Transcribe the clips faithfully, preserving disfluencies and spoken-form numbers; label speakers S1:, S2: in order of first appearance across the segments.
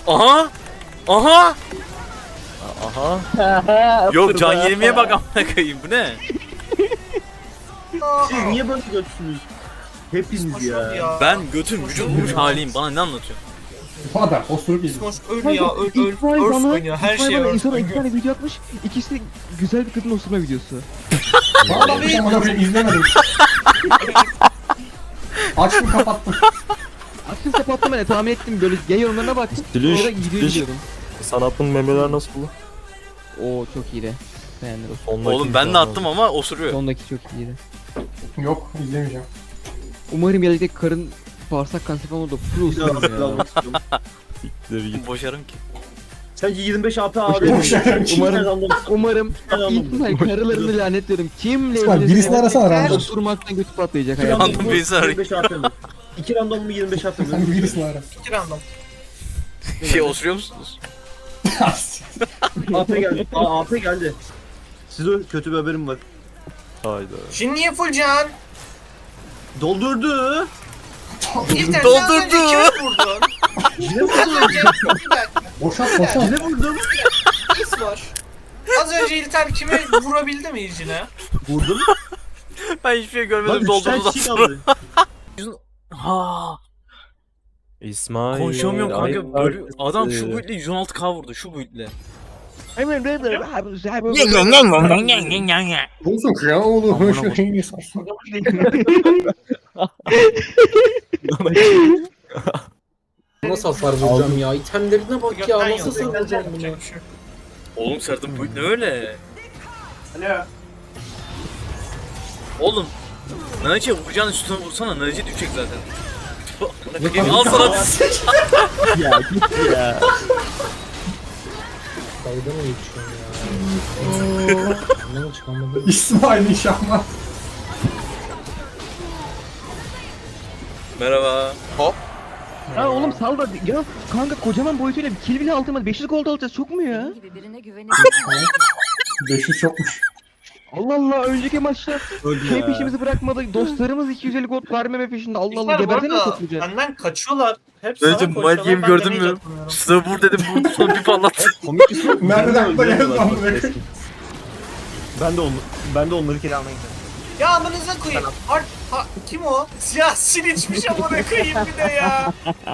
S1: Aha! Aha!
S2: Aha.
S1: Yok can yenilmeye bak amına koyayım bu ne?
S3: Siz niye böyle götsünüz? Hepiniz ya.
S1: Ben götüm vücut bulmuş haliyim, bana ne anlatıyorsun?
S4: Bu kadar osurup izle.
S5: Smosh öl ya öl öl
S2: İsmail
S5: örs
S2: bana,
S5: oynuyor her
S2: İsmail
S5: şey
S2: bana
S5: örs
S2: insana iki
S5: oynuyor.
S2: tane video atmış. İkisi de güzel bir kadın osurma videosu.
S4: Vallahi bir amına koyayım izlemedim. Açtım kapattım.
S2: Açtım kapattım ben de tahmin ettim böyle gay yorumlarına baktım.
S6: Diliş,
S2: Sonra gidiyor
S6: diliş.
S2: izliyordum.
S6: Sanatın memeler nasıl?
S2: Oo çok iyiydi. Beğendim.
S6: Sondaki
S1: Oğlum ben de attım ama osuruyor.
S2: Sondaki çok iyiydi.
S4: Yok izlemeyeceğim.
S2: Umarım gelecek karın bağırsak kanseri falan olur da full osururum ya.
S6: Siktir git.
S1: Boşarım ki.
S3: Sence yirmi beş A P abi.
S4: Boşarım ki.
S3: Umarım.
S2: Umarım
S3: Tamam.
S2: İsmail karılarını lanetliyorum. Kimle
S4: İsmail, birisini arasana random.
S2: Osurmaktan götü patlayacak
S3: İki
S2: hayatım.
S1: Random birisi arayın.
S3: yirmi beş A P mi? İki random mu yirmi beş A P mi?
S4: Sen birisini ara.
S5: İki random.
S1: Şey osuruyor musunuz?
S3: A P geldi. Aa A P geldi. Size kötü bir haberim var.
S6: Hayda.
S5: Şimdi niye full can?
S3: Doldurdu.
S5: İlter
S1: Doldurdu.
S5: sen az önce kimi vurdun?
S3: Yine
S5: Az
S3: vurdum.
S5: önce bir dakika
S4: Boşalt boşalt.
S3: Yine vurdum.
S5: pis var. Az önce İlter kimi vurabildi mi İlcine?
S3: Vurdum.
S1: Ben hiçbir şey
S3: Lan
S1: görmedim
S3: üç
S1: doldurdu
S3: tane kişi
S1: sonra.
S3: kaldı.
S1: Ha,
S6: İsmail.
S1: konuşamıyorum kanka.
S6: ayıp
S1: Böyle
S6: artık.
S1: adam şu
S6: Ee,
S1: buitle yüz on altı K vurdu şu buitle.
S4: Olsun kral oğlum.
S1: Amına
S4: Şu şeyi sarsın.
S7: Nasıl hasar vuracağım ya? İtemlerine bak ya.
S5: Gökten
S7: Nasıl
S5: yok,
S7: savuracağım
S5: gökten
S7: bunu?
S5: yapacak bir şey yok.
S1: Oğlum Serdar bu ne öyle?
S4: Alo.
S1: Oğlum Naci vuracağın üstüne vursana, Naci düşecek zaten. Al sana
S2: Ya git ya.
S7: Dalga mı geçiyorsun ya? Ne çıkamadım.
S4: İsmail inşallah.
S1: Merhaba. Hop.
S2: Ha oğlum sal da ya kanka kocaman boyutuyla bir kill bile aldım hadi beş yüz gold alacağız çok mu ya?
S8: gibi birine güvenebilir
S4: beş yüz çokmuş.
S2: Allah Allah önceki maçta
S3: Öldü
S2: şey
S3: ya.
S2: peşimizi bırakmadı dostlarımız iki yüz elli gold vermeme peşinde Allah Allah
S5: İlter bu
S2: geberden mi
S5: arada
S2: toplayacağız?
S5: benden kaçıyorlar. Hep sana
S1: Naci
S5: koşuyorlar.
S1: Mike Game
S5: ben de
S1: gördün
S5: hiç
S1: mü?
S5: atamıyorum.
S1: Üstüne vur dedim vurdu sonra bir patlattı.
S3: Komik bir şey.
S4: Nereden akla geldi lan bu ne?
S3: Ben de onu, ben de onları kere almaya gidiyorum.
S5: Ya amınıza koyayım. Art, ha, kim o? Ya siliçmiş amına koyayım bir de ya.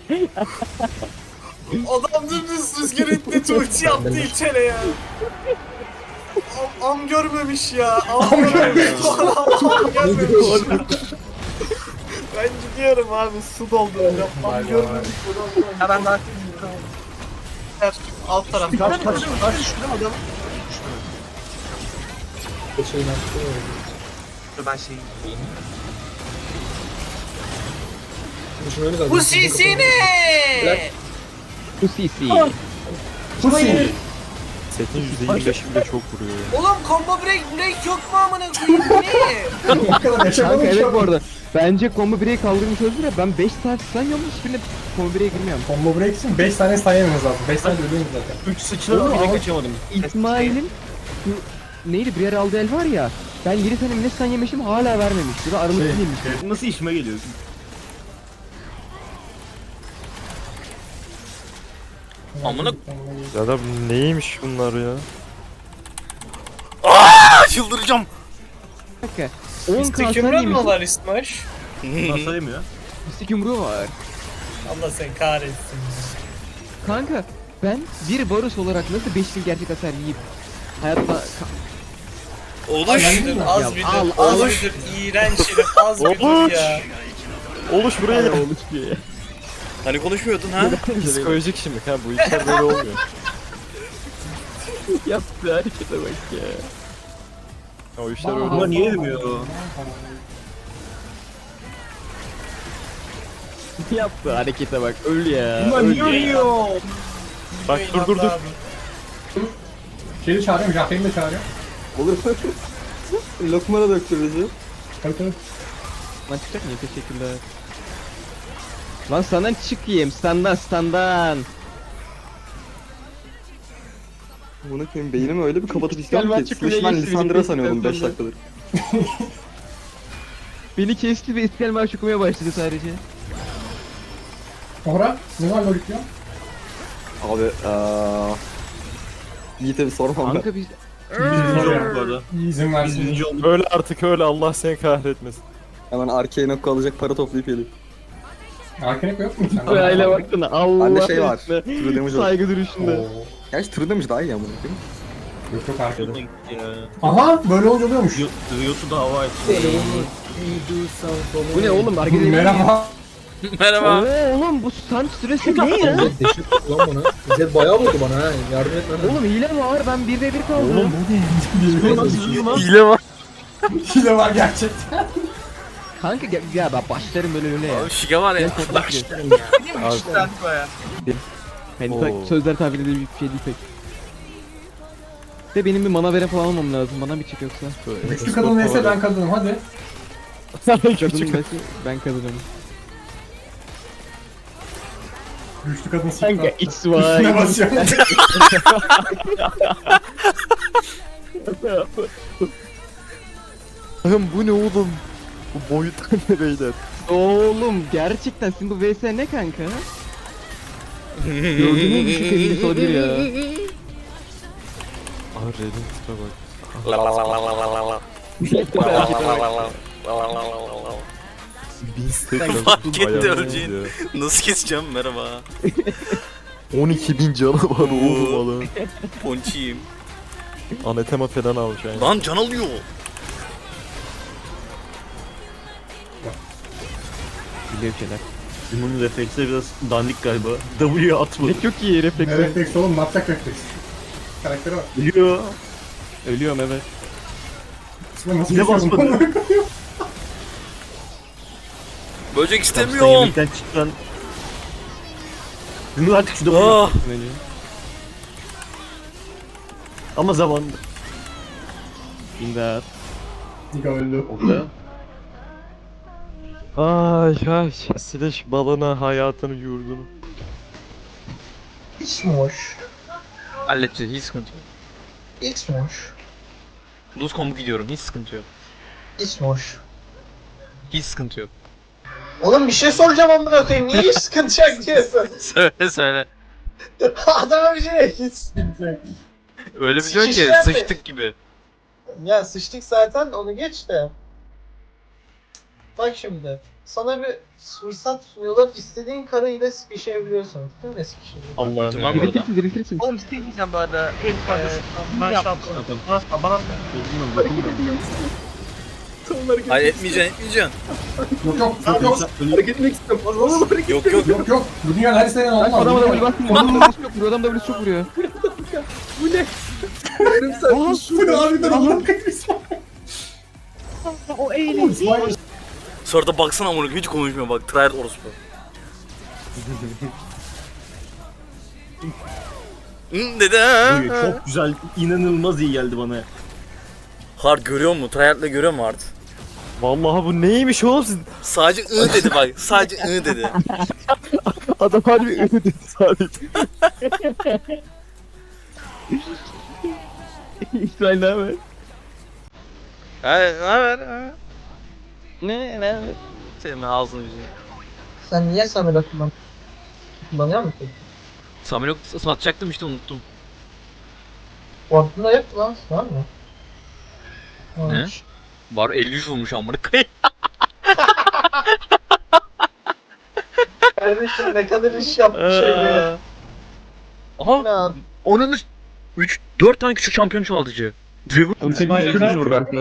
S5: Adam dümdüz rüzgar etti tuğçi yaptı İlter'e ya. Am, am görmemiş ya. Am görmemiş. Am görmemiş. Ben gidiyorum abi su dolduracağım. Am görmemiş.
S3: Ya ben daha
S5: Alt taraf.
S3: kaç kaç kaç şurada adam.
S7: Şeyin attı.
S3: Ben şey.
S7: Düşünüyorum da.
S5: Bu sisi ne?
S2: Bu C C.
S4: Pussy.
S6: Setin yüzde yirmi beşi bile çok vuruyor ya.
S5: Oğlum combo break break yok mu amına koyayım? Bu ne?
S4: O kadar yaşamadım
S2: Kanka
S4: ki
S2: evet bu
S4: ama.
S2: arada bence combo break kaldırmış olabilir ya ben beş saat sanıyorum hiçbirine combo break'e girmiyorum.
S4: Combo break için beş tane sayamamız lazım. beş tane ölüyoruz zaten.
S3: Üç sıçradım bile kaçamadım.
S2: İsmail'in şu neydi birer aldığı el var ya ben yedi tane ne sen yemişim hala vermemiş. Bu da aramızda
S4: Şey,
S2: değilmiş.
S3: Nasıl işime geliyor?
S1: Amına
S6: Ya da neymiş bunlar ya?
S1: Aa, çıldıracağım.
S2: Bir dakika. on
S5: Mistik
S2: kalsan
S5: yumruğun mu
S2: yemişim.
S5: var İsmaş?
S3: Nasıl yemiyor?
S2: Mistik yumruğu var.
S5: Allah sen kahretsin.
S2: Kanka ben bir barış olarak nasıl beş bin gerçek hasar yiyip hayatta
S1: Oluş.
S5: Az bir dur, az bir
S2: Al,
S5: dur,
S2: al.
S5: az bir dur. İğrenç herif, az bir dur
S6: Oluş.
S5: ya.
S6: Oluş buraya gel.
S2: olmuş diye.
S1: Hani konuşmuyordun ha?
S6: Psikolojik şimdi ha bu işler böyle olmuyor.
S2: Yaptığı harekete bak ya.
S6: O işler öyle
S3: Bunlar
S6: olmuyor.
S3: niye yemiyor?
S2: Yaptığı harekete bak öl ya.
S3: Bunlar
S2: öl
S3: niye
S2: ya.
S3: yiyor?
S6: Bak dur dur dur.
S4: Şeyi çağırıyorum, Jahreyn'i de çağırıyorum.
S7: Olur. Lokmana döktürürüz.
S4: Tabii tabii.
S2: Lan çıkacak mı? Teşekkürler. Lan senden çıkayım standan standan.
S7: Bunu koyayım beynimi öyle bir kapatıp
S2: İstiklal
S7: istiyorum ki.
S2: maçı kuleye
S7: Slash ben
S2: geçti,
S7: Lisandra
S2: beni
S7: sanıyordum beş
S2: kestirdi.
S7: dakikadır.
S2: Beni kesti ve İstiklal Marşı okumaya başladı sadece.
S4: Ora, ne var lol diyor?
S8: Abi eee... Yiğit'e bir sormam ben.
S2: Kanka biz
S3: Biz birinci olduk bu arada.
S4: İzin
S3: Biz
S4: versin.
S3: birinci olduk.
S6: Öyle artık öyle, Allah seni kahretmesin.
S8: Hemen Arcane Okku alacak para toplayıp geleyim.
S4: Arkanek yok mu sende?
S2: Öyle baksana Allah.
S8: Bende şey var.
S2: aşkına.
S8: True damage var.
S2: Saygı duruşunda.
S4: Oo.
S8: Gerçi True damage daha iyi ama. Değil mi?
S4: Yok yok arkada.
S3: Ya.
S4: Aha böyle olunca oluyormuş.
S3: Riot'u da hava et.
S2: Bu ne oğlum hareket ediyor.
S4: Merhaba.
S1: Merhaba.
S2: Oo, oğlum bu stunt süresi ne ya?
S7: Teşekkür lan bana. Bize bayağı vurdu bana ha. Yardım et lan.
S2: Oğlum hile mi var? Ben bir ve bir kaldım.
S6: Oğlum
S1: Hile var.
S4: Hile var gerçekten.
S2: Kanka ya, ya ben başlarım böyle öyle ya.
S1: Abi şike var ya.
S2: Başlarım Hani
S6: Oo.
S2: tak- sözler tabir edilir bir şey değil pek. De benim bir mana veren falan almam lazım. Bana bir çık yoksa.
S4: Güçlü kadın neyse ben kadınım hadi.
S2: Kadının nesi ben kadınım.
S4: Güçlü kadın
S2: Kanka
S4: sıktı.
S2: X
S4: Üstüne
S2: Y.
S4: basıyorum.
S6: Allah'ım bu ne oğlum? Bu boyutlar ne beyler?
S2: Oğlum gerçekten sizin bu V S ne kanka? Gördüğünüz bir şey sevgilisi olabilir ya.
S6: Aa Red'in tipe bak. Bin stack
S1: Fark etti
S6: bayağı
S1: öleceğini.
S6: ya.
S1: Nasıl keseceğim merhaba.
S6: on iki bin canı var oğlum adam.
S1: Ponçiyim.
S6: Anatema falan almış yani.
S1: Lan can alıyor.
S2: Biliyor şeyler.
S3: Bunun refleksleri biraz dandik galiba. W'ye atmadı.
S2: Ne çok iyi
S4: Ne
S2: refleks.
S4: refleks oğlum matrak refleks. Karakteri var.
S3: Biliyor.
S2: Ölüyorum evet.
S4: Sıra nasıl
S3: Yine
S4: geçiyorum?
S3: basmadı.
S1: Böcek
S3: Kapısından
S1: istemiyorum.
S3: yemekten çıkan. Bunu artık şurada bırak.
S1: Ah.
S2: Ölüyor.
S3: Ama zamanında.
S2: İmdat.
S4: Niga öldü.
S6: Ay ay. Slash balına hayatını yurdunu.
S7: Hiç mi hoş?
S1: Halledeceğiz hiç sıkıntı yok.
S7: Hiç mi hoş?
S1: Lose combo gidiyorum hiç sıkıntı yok.
S7: Hiç mi hoş?
S1: Hiç sıkıntı yok.
S7: Oğlum bir şey soracağım amına koyayım. Niye hiç sıkıntı yok diyorsun?
S1: Söyle söyle.
S7: Adama bir şey hiç sıkıntı yok.
S1: Öyle bir diyor ki
S7: Sıçışlar mı?
S1: sıçtık gibi.
S7: Ya sıçtık zaten onu geç de. Bak şimdi. Sana bir fırsat sunuyorlar. İstediğin karıyla sıkışabiliyorsun. Değil mi sıkışabiliyorsun?
S6: Allah'ım.
S1: Tamam burada.
S2: Diriltirsin diriltirsin.
S7: Oğlum istediğin böyle. Ben şaptım.
S1: Hayır etmeyeceksin etmeyeceksin.
S4: Yok yok yok yok.
S3: Hareket etmek istiyorum. Oğlum hareket.
S1: Yok yok.
S4: Yok yok. Bu dünyanın her istediğinden olmaz.
S2: Adama
S4: Bu
S2: da
S4: dünya-
S2: basmıyor. Adamın W'si çok vuruyor. Adam W'si çok vuruyor.
S4: Bu ne harbiden Allah'ım kayırsın.
S2: O eğlenceli.
S4: İsmail
S1: Sonra da baksana amına hiç konuşmuyor bak. Tryhard orospu. Hı dedi ha.
S3: Çok güzel, inanılmaz iyi geldi bana.
S1: Hard görüyor mu? Tryhard'la görüyor mu Hard?
S6: Vallahi bu neymiş oğlum siz?
S1: Sadece ı dedi bak. Sadece ı dedi.
S6: Adam harbi ünlü dedi sadece.
S2: İsrail ne haber?
S1: Hayır, ne haber? Ha?
S2: Ne ne?
S1: Senin ağzını yüzünü.
S7: Sen niye Samir'e kullan? Kullanıyor musun?
S1: Samirok satacaktım işte unuttum.
S7: Ortada yok lan. Var mı?
S1: Ne?
S7: Varmış.
S1: Var elli üç olmuş amına koyayım.
S7: Kardeşim ne kadar iş yapmış şey be.
S1: Aha
S7: Ya
S1: onun üç dört tane küçük şampiyon çoğaltıcı.
S2: Oğlum senin bir sürpriz vur ben.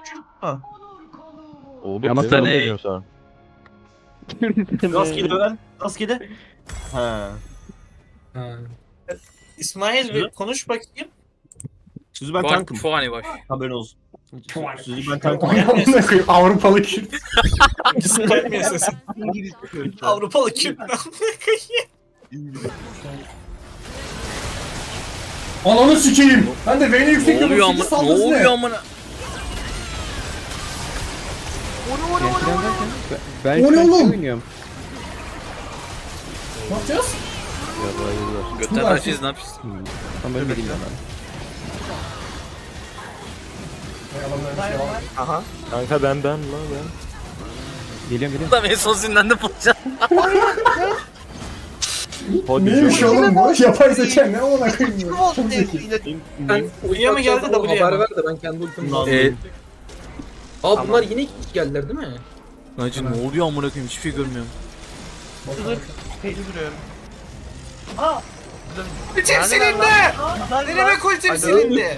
S6: Oğlum
S1: Ama
S6: ne
S1: sen-
S6: oynuyorsun sen?
S3: Rastgele öğren. Rastgele. Ha.
S5: İsmail bir konuş bakayım.
S3: Sizi ben
S1: Var
S3: tankım.
S1: çok hani baş.
S3: Haberin olsun. Sizi ben tankım.
S4: Amına koyayım Avrupalı Kürt.
S5: Gelmiyor sesin. Avrupalı Kürt.
S4: Ananı sikeyim. Ben de V'ne yüksek
S1: Ne oluyor
S4: yapıyorum.
S1: amına? Ne oluyor amına?
S2: Ben
S4: O ne
S2: şu an şey
S4: oğlum?
S2: oynuyorum.
S4: Ne yapacağız?
S6: Ya da yediler.
S1: Götten açacağız ne yapacağız?
S2: Tam böyle değil ben.
S4: Hay adamların bir şey var.
S6: Kanka ben ben la ben.
S2: Geliyorum geliyorum.
S1: Adam en son zindan bulacağım.
S4: Neymiş oğlum bu? Yapay zeka ne ona koyayım ya. Çok zeki.
S5: Uyuya mı geldi W'ye
S9: Haber
S5: mi?
S9: ver de ben kendi ultimi
S1: Eee
S9: Aa bunlar yine iki kişi geldiler değil mi?
S1: Naci ne oluyor amına koyayım hiçbir şey görmüyorum.
S5: Ultim silindi! Ne demek ultim silindi?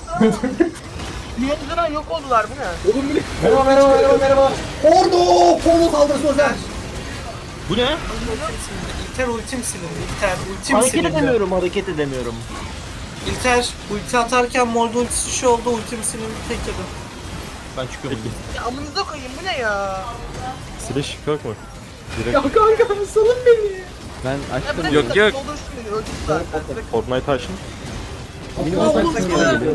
S4: Merhaba merhaba merhaba merhaba. Ordu! Porno saldırısı özel.
S3: Bu ne?
S5: İlter ultim silindi. İlter ultim
S3: Hareket
S5: silindi.
S3: edemiyorum, hareket edemiyorum.
S5: İlter ulti atarken Molde ultisi şu oldu, ultim silindi tek yedim.
S3: Ben çıkıyorum.
S9: Ya amınıza koyayım bu ne ya?
S6: Slash kalkma. Direkt
S9: Ya kanka salın beni.
S2: Ben açtım.
S1: Yok, yok.
S9: Doldursun beni öldüm zaten.
S6: Fortnite açın.
S2: Benim ortak geliyor.